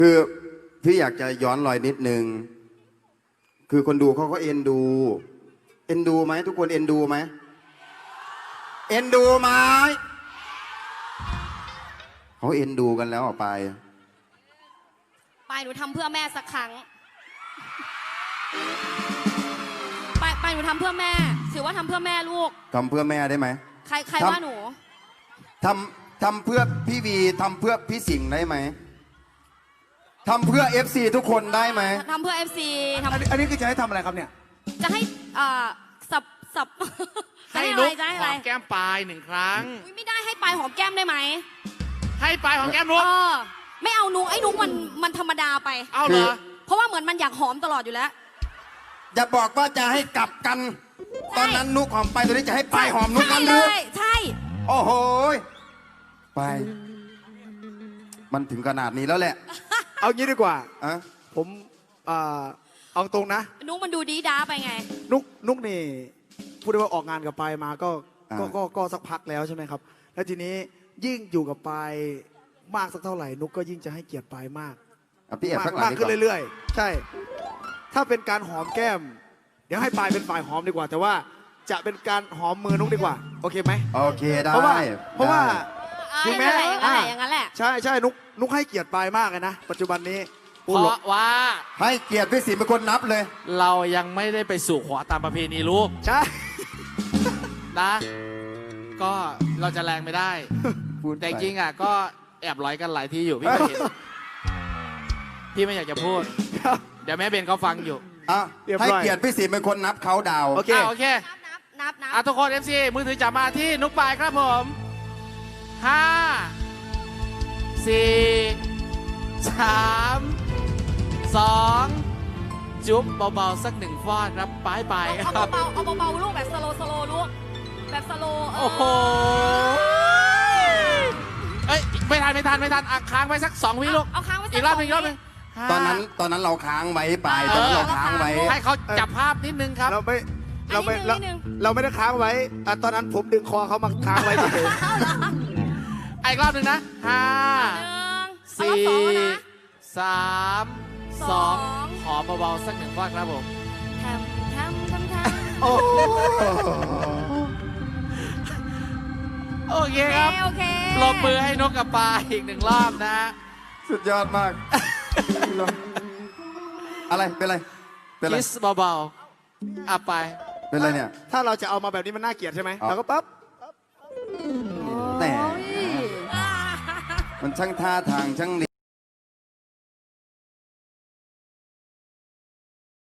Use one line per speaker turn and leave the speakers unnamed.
คือพี่อยากจะย้อนรอยนิดนึงคือคนดูเขาก็เอ็นดูไหมทุกคนเอ็นดูไหมเอ็นดูไหมเขาเอ็นดูกันแล้วไป
หนูทำเพื่อแม่สักครั้งไปหนูทำเพื่อแม่ถือว่าทำเพื่อแม่ลูก
ทำเพื่อแม่ได้ไหม
ใครว่าหนู
ทำเพื่อพี่วีทำเพื่อพี่สิงห์ได้ไหมทำเพื่อ FC ทุกคนได้ไหม
ทำเพื่อ FC
อันนี้คือจะให้ทำอะไรครับเนี่ย
จะให้สับ
ให้นุ๊กหอมแก้มปลาย1 ครั้ง
ไม่ได้ให้ปลายหอมแก้มได้ไหม
ให้ปลายหอมแก้มนุ๊ก
ไม่เอานุ๊กไอ้นุ๊กมันธรรมดาไป
เอาเหรอ
เพราะว่าเหมือนมันอยากหอมตลอดอยู่แล้ว
อย่าบอกว่าจะให้กลับกันตอนนั้นนุ๊กหอมไปตอนนี้จะให้ปลายหอมนุ๊กกันหรือ
ใช่
โอ้โหไปมันถึงขนาดนี้แล้วแหละ
เอางี้ดีกว่าผมเอาตรงนะ
นุ๊กมันดูดีด้าไปไง
นุ๊กนี่พูดได้ว่าออกงานกับปายมาก็สักพักแล้วใช่ไหมครับแล้วทีนี้ยิ่งอยู่กับปายมากสักเท่าไหร่นุ๊กก็ยิ่งจะให้เกียรติปายมากมากขึ้นเรื่อยๆใช่ถ้าเป็นการหอมแก้มเดี๋ยวให้ปายเป็นฝ่ายหอมดีกว่าแต่ว่าจะเป็นการหอมมือนุ๊กดีกว่าโอเคไหม
โอเคได้
เพราะว่า
ถูกไหมอย่างนั้นแหละ
ใช่นุ๊กให้เกียรติปายมากเลยนะปัจจุบันนี้
เพราะว่า
ให้เกียรติพี่สิงห์เป็นคนนับเลย
เรายังไม่ได้ไปสู่ขอตามประเพณีลูก
ใช่
นะก็เราจะแรงไม่ได้แต่จริงอ่ะก็แอบร้อยกันหลายที่อยู่พี่ไม่เห็นพี่ไม่อยากจะพูดเดี๋ยวแม่เบนเขาฟังอยู่
ให้เกียรติพี่สิงห์เป็นคนนับเขาดาว
โอเคนับทุกคน FC มือถือจับมาที่นุ๊กปายครับผม5 4 3 2จุ๊บเบาๆสัก1 ฟอดครับปายครับ
เอาเบาๆลูกแบบสโลลูกแบบสโล
โอ้โหเอ้ยไม่ทันค้างไว้สัก2 วิลูก
เอาค้างไว้
อีกรอบนึง
ตอนนั้นเราค้างไว้ไปตอนนั้นเราค้างไว้
ให้เขาจับภาพนิดนึงครับ
เราไม่ได้ค้างไว้ตอนนั้นผมดึงคอเขามาค้างไว้เฉย
อีกรอบนึงนะ5 4 3 2ขอเบาๆสัก1 ฟอดครับผม
ท
โอ้
โอเคครับปรบมือให้นกกับปลาอีก1 รอบนะ
สุดยอดมากอะไรเป็นไร
คิสเบาๆไป
เป็นไรเนี่ย
ถ้าเราจะเอามาแบบนี้มันน่าเกลียดใช่ไหมเราก็ปั๊บ
แต่มันช่างท่าทางช่าง